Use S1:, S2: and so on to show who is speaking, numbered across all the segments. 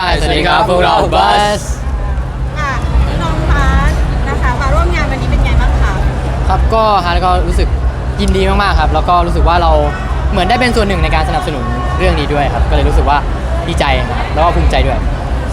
S1: สวัสดีครับพวกเราบัส
S2: น้องฟ้านะคะมาร่วมงานวันนี้เป็นไงบ้างคะ
S1: ครับก็ฮาร์ดก็รู้สึกยินดีมากๆครับแล้วก็รู้สึกว่าเราเหมือนได้เป็นส่วนหนึ่งในการสนับสนุนเรื่องนี้ด้วยครับก็เลยรู้สึกว่าดีใจนะครับแล้วก็ภูมิใจด้วย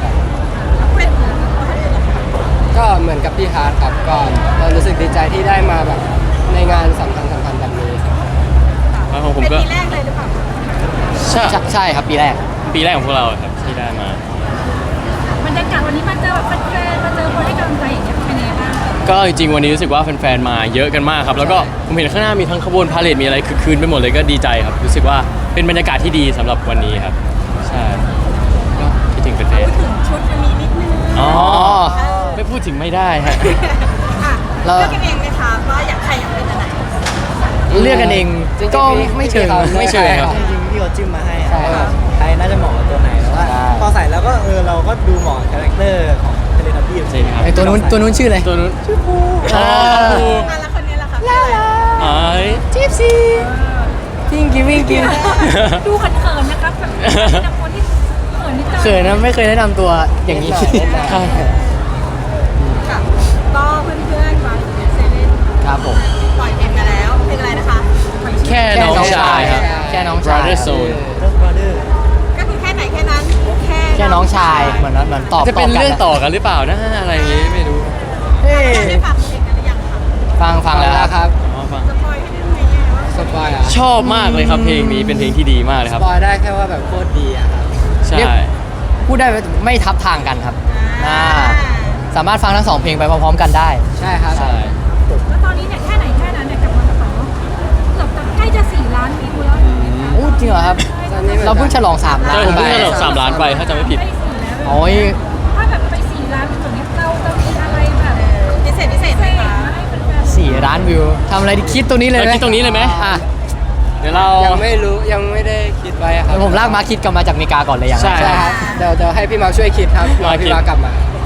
S3: ก็เหมือนกับพี่ฮาร์ดครับก็เรารู้สึกดีใจที่ได้มาแบบในงานสำคัญแบบนี้
S4: ครับของผม
S2: เป็น
S4: ก็
S2: ปีแรกเลยหรือเปล่า
S1: ใช่ครับปีแรก
S4: ของพวกเราครับที่ได้มา
S2: บรรยากาศวันนี้มาเจอแบบแฟนๆมาเจอคนให้กำลังใจอย่างเงี้ยเป็นยังไงบ้าง
S4: ก็จริงๆวันนี้รู้สึกว่าแฟนๆมาเยอะกันมากครับแล้วก็ผมเห็นข้างหน้ามีทั้งขบวนพาเหรดมีอะไรคือคืนไปหมดเลยก็ดีใจครับรู้สึกว่าเป็นบรรยากาศที่ดีสำหรับวันนี้ครับใช่ก็คิดถึงแฟน
S2: พูดถึงชุดวันนี้นิดนึง
S4: ๆอ๋อไม่พูดถึงไม่ได้ฮะ
S2: เลือกกันเองไหมคะว่าอยากใครอยากเป็นอะไร
S1: เลือกกันเองก็ไม่เชิงครับ
S4: จริงๆ
S5: พี่เขาจิ้มมาให้ใครน่าจะเหมาะกับตัวไหนแต่ว่าพอใส่แล้วก็เราก็ดูเหมาะคาแรคเตอร์ของเทเลทับบี้
S4: ใช่ครับ
S1: ไอตัวนู้นชื่ออะไร
S4: ตัวนู้น
S5: ชื่อภู
S2: แล้วคนนี้ล่ะคะ
S4: อ๋อ
S1: จิ๊บซี่วิ่งกิน
S2: ดูเขินๆนะครับแบบแต่คนที่เขินนิดนึง
S1: เขินนะไม่เคยแนะนำตัวอย่างนี้
S4: ใช่
S2: ค่ะก็เพื่อนๆมาเซเลน
S1: ครับผม
S2: ปล่อยเพลงมาแล้วเพลงอะไรนะคะปล่อยชื่อ
S4: แค่น้องชายครับ
S1: แค่น้องชาย
S4: Brother Zone
S5: บราเดอร์
S2: ก็คือแค่ไหนแค่นั้น
S1: แค่น้องชายเหมือนตอบ
S4: จะเป็น
S1: กั
S4: เรื่องต่อกันหรือเปล่านะอะไรอย่างงี้ไม่รู้
S2: ได้ฟังเพลงกันหรือยังคะ
S1: ฟังแล้วครับ
S4: อ๋อฟัง
S2: สปอยให้ได้ไหมเนี่ยว่า
S3: สปอยอ่ะ
S4: ชอบมากเลยครับเพลงนี้เป็นเพลงที่ดีมากเลย
S3: ส
S4: ครับ
S3: ปอยได้แค่ว่าแบบโคตรดีอ่ะครับ
S4: ใช่
S1: พูดได้ไม่ทับทางกันครับสามารถฟังทั้งสองเพลงไปพร้อมๆกันได้
S3: ใช่ครับ
S4: ใช่
S2: แล้วตอนนี้เนี่ยแค่ไหนแค่นั้นเนี่ยกับวันต่อเกือบจะใกล้จะ4 ล้านวิวแล้ว
S1: โอ้จริงเหรอครับ
S3: ตอนนี้
S1: เราเพิ่งฉลอง3 ล้า
S4: ใช่
S1: น
S4: ผม
S1: ไป
S4: เพิ่งฉลอง3 ล้านไปถ้าจำไม่ผิด
S2: ใกล้4แล้ว
S1: โอ้ย
S2: ถ้าแบบไป4 ล้านวิวอย่างเงี้ยเราจะมีอะไรแบบพิเศษไหมคะให้แฟนๆ
S1: 4 ล้านวิวทำอะไรดีคิดตรงนี้เลยไหม
S4: เราคิดตรงนี้เลยไหม
S1: อ่ะ
S4: เดี๋ยวเรา
S3: ยังไม่รู้ยังไม่ได้คิดไว้อะครับ
S1: เดี๋ยวผมลากมาคิดกลับมาจากอเมริกาก่อนเลยอย่างแรก
S4: ใช่
S3: ใช่ครับเดี๋ยวให้พี่มาร์คช่วยคิดครับรอพี่มาร์คกลับมา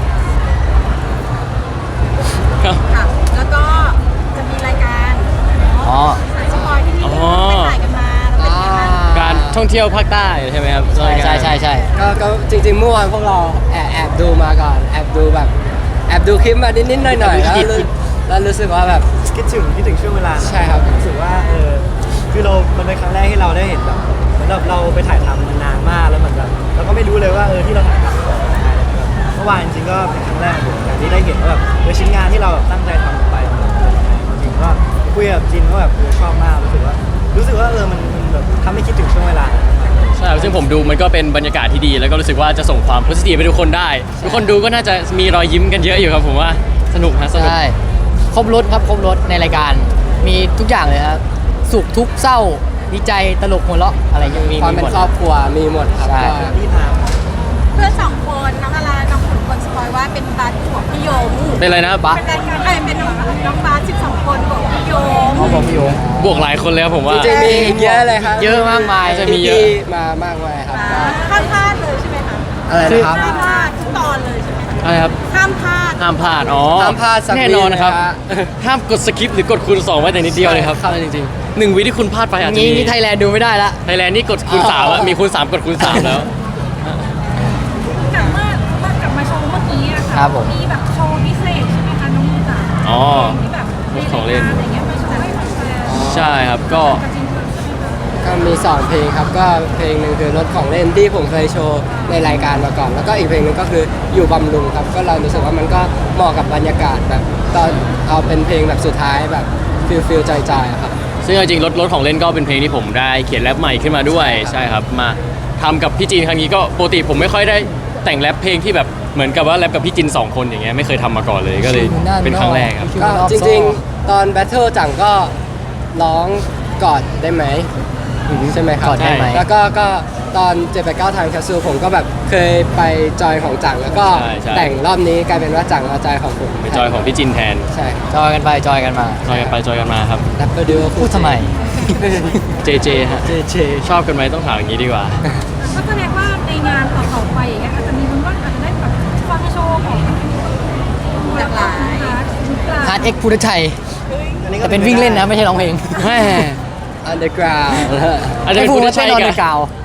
S4: ครับ
S2: ค่ะแล้วก็จะมีรายการ
S1: อ๋อ
S2: สายสปอยที่นี่ไปถ่ายกันมาแล้วเป็นยังไงบ้าง
S4: การท่องเที่ยวภาคใต้ใช่ไหมครับ
S1: ใช่
S3: ก็จริงๆเมื่อวานพวกเราแอบดูมาก่อนแอบดูคลิปมานิดๆหน่อยๆแล้วรู้สึกว่าแบบ
S5: คิดถึงช่วงเวลา
S3: ใช่ครับ
S5: รู้สึกว่าคือมันเป็นครั้งแรกที่เราได้เห็นแบบเหมือนแบบเราไปถ่ายทำมานานมากแล้วเหมือนแบบเราก็ไม่รู้เลยว่าที่เราถ่ายทำออกมาได้แบบเมื่อวานจริงๆก็เป็นครั้งแรกเหมือนกันที่ได้เห็นว่าแบบชิ้นงานที่เราแบบตั้งใจทำลงไปมันจริงๆก็คุยกับจินก็แบบชอบมากรู้สึกว่ามันแบบทำให้คิดถึงช่วงเวลานั้นมาก
S4: ใช่ซึ่งผมดูมันก็เป็นบรรยากาศที่ดี แล้วก็รู้สึกว่าจะส่งความโพสิทีฟไปทุกคนได้ ทุกคนดูก็น่าจะมีรอยยิ้มกันเยอะอยู่ครับผมว่าสนุกฮะสนุก
S1: ใช่ครบรถครับครบรถในรายการมีทุกอย่างเลยครับสุขทุกข์เศร้าดีใจตลกหัวเราะอะไรอย่างมี
S3: ความเป็น
S1: หมด
S3: ครอบครัวมีหมดครับ
S1: ใช่
S3: ก็
S5: ที่ทาง
S2: เพื่อน2 คนน้องอาราน้องขุนคนสปอยว่าเป็นบาสบวกพี่โยม
S4: เป็นอะไรนะบะ
S2: เป็นรายการเป็นน้องบาส12 คนบวกพี่โยม
S1: เขาบอกพี่โยง
S4: บวกหลายคนเลยครับผมว่า
S3: จริงๆมีอีกเยอะเลยครับ
S1: เยอะมากมาย
S4: จะมีเยอะ
S3: ที่มามากมายครับก็
S2: ห้ามพลาดเลยใช่ไหมคะ
S3: อะไรนะครับ
S2: ห้ามพลาดทุกตอนเลยใช่ไหมคะ
S4: อะไรครับ
S2: ห้ามพลาด
S4: ห้ามพลาดอ๋อ
S3: ห้ามพลาดสักวิ
S4: แน่นอนนะครับ
S3: เลยฮะ
S4: ห้ามกดสคิปหรือกดคูณ2ไว้แต่นิดเดียวเลยครับ
S3: ครับ
S4: จริงๆ1 วิที่คุณพลาดไปอาจจะ
S1: งี้
S4: มี
S1: นี่ไทยแลนด์ดูไม่ได้ละ
S4: ไทยแลนด์นี่กดคูณ3แล้วมีคูณ3กดคูณ3แล้ว
S2: กลับมาโชว์เมื่อกี้อะ
S1: ครั
S2: ค่ะ
S1: บผม
S2: มีแบบโชว์พิเศษใช่ไหมคะน้องมูจ๋า
S4: อ๋อ
S2: ที่แบบ
S4: รถของเล่น
S2: อะไรเงี้ยมาโชว์ให้แฟน
S4: ใช่ครับก็
S2: กับจริงๆใช่ไหมคะ
S3: ก็มี2เพลงครับก็เพลงหนึ่งคือรถของเล่นที่ผมเคยโชว์ในรายการมาก่อน แล้วก็อีกเพลงหนึงก็คืออยู่บำรุงครับก็เรารู้สึกว่ามันก็เหมาะกับบรรยากาศแบบตอนเอาเป็นเพลงแบบสุดท้ายแบบฟิลใจๆอะครับ
S4: ซึ่งจริงๆรถของเล่นก็เป็นเพลงที่ผมได้เขียนแรปใหม่ขึ้นมาด้วยใช่ครับมาทำกับพี่จีนครั้งนี้ก็ปกติผมไม่ค่อยได้แต่งแรปเพลงที่แบบเหมือนกับว่าแรปกับพี่จิน2 คนอย่างเงี้ยไม่เคยทำมาก่อนเลยก็เลยเป็นครั้งแรกครับ
S3: ก็จริงๆตอนแบทเทิลจังก็ร้องกอดได้ไหมใช่ไหมครับ
S1: กอดได้ไหม
S3: แล้วก็ตอน789ทางแคสซูผมก็แบบเคยไปจอยของจังแล้วก็
S4: ใช่
S3: แต่งรอบนี้กลายเป็นว่าจังเอาจอยของผม
S4: เป็นจอยของพี่จินแทน
S3: ใช่
S1: จอยกันไปจอยกันมา
S4: จอยกันไปจอยกันมาครับ
S3: แรปเปอร์ดูโอ
S1: พูดทำไม
S4: JJ ฮะ JJ ชอบกันไหมต้องถามอย่างนี้ดีกว่า
S2: ก็แสดงว่าในงานต่อๆไปอย่างเงี้ยอาจจะมีมันว่าอาจจะได้แบบฟังโชว์ของหลากหลาย
S1: ฮาร์ดเอ็กพุทธชัย
S5: อันนี้ก็
S1: แต่เป็นวิ่งเล่นนะไม่ใช่ร้องเพลง
S4: แม่
S3: อันเดอร์กราวด์
S4: อาจจะ
S1: ให้
S4: เป็น
S1: พูด
S4: พุทธ
S1: ว่า
S4: ชั
S1: ใช่
S4: ย
S1: นอน
S4: กั
S1: ใน
S4: บ
S1: กาว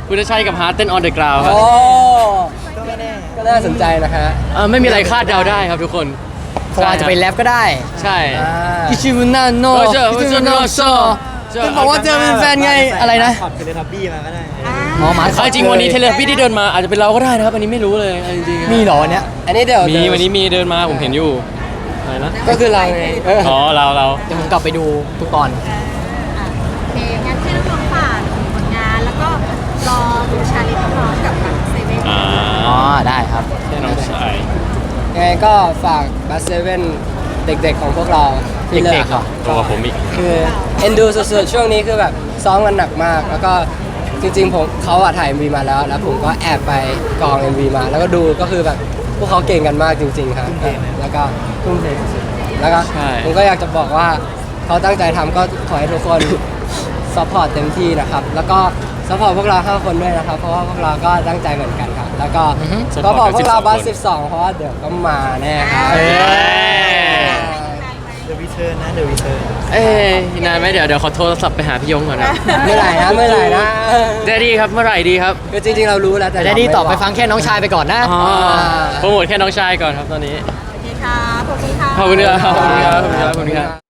S4: พุทธชัยกับฮาร์ดเต้น on the ground ครับ
S3: โอ้
S5: ก็ไม่แน่
S3: ก็น่าสนใจนะฮะ
S4: ไม่มีอะไรคาดเดาได้ครับทุกคน
S1: เพราะว่าจะไปแรปก็ได้
S4: ใช่
S1: อิชิบุนาโน
S4: เออเจอ
S1: อิชิบุนาโซ
S4: เจอ
S1: จะบอกว่าเจอเป็นแฟนไงอะไรนะ
S5: ถอดเป็นทับบี้มาก็ได้
S1: อ๋อหมา
S4: เอาจริงวันนี้เทเลพี่ที่เดินมาอาจจะเป็นเราก็ได้นะครับอันนี้ไม่รู้เลยเอาจริงๆ
S1: มีเหรอวันเนี้ย
S3: อันนี้เดี๋ยว
S4: มีวันนี้มีเดินมาผมเห็นอยู่อะไรนะ
S3: ก็คือเราไง
S4: อ๋อเรา
S1: เดี๋ยวผมกลับไปดูทุกตอน
S2: โอเคงั้นที่เราฝากผลงานแล้วก็รอดูชาเลนจ์พร้อมกับทางเซเว่น
S4: อ๋
S1: อ๋อได้ครับ
S4: ใช่น้องชาย
S3: ยังไงก็ฝากบัสเซเว่นเด็กๆของพวกเราที่เลิ
S1: เด็กๆเหรอ
S4: ตัวกับผมอีก
S3: คือเอ็นดูสุดๆช่วงนี้คือแบบซ้อมกันหนักมาก แล้วก็จริงๆผมเขาอะถ่าย MV มาแล้ว แล้วผมก็แอบไปกอง MV มา แล้วก็ดูก็คือแบบพวกเขาเก่งกันมากจริงๆครับแล้วก็ทุ่มเทสุดๆแล้วก็
S4: ใช่
S3: ผมก็อยากจะบอกว่าเขาตั้งใจทำก็ขอให้ทุกคน ซัพพอร์ตเต็มที่นะครับ แล้วก็ซัพพอร์ตพวกเรา5คนด้วยนะครับ เพราะว่าพวกเราก็ตั้งใจเหมือนกันครับ แล้วก็
S1: อือฮึ
S3: ก็บอกพวกเรา
S4: 12
S3: บัส12 เพราะว่าเดี๋ยวก็มาแน่ครับ
S1: เอ้ย
S5: เดอะวิเทิร์นนะเดอะวิเทิร์น
S4: เอ้ยนานไหมเดี๋ยวขอโทรศัพท์ไปหาพี่ยงก่อนนะ
S3: เมื่อไหร่นะเมื่อไหร่นะ
S4: เดดี้ครับเมื่อไหร่ดีครับ
S3: คือจริงๆเรารู้แล้วแต่
S1: แต่ได้ดีตอบไปฟังแค่น้องชายไปก่อนนะ
S4: โปรโมทแค่น้องชายก่อนครับตอนนี้
S2: โอเคค่ะขอบคุณค่ะ
S4: ขอบคุณครับขอบคุณครับขอบคุณครับ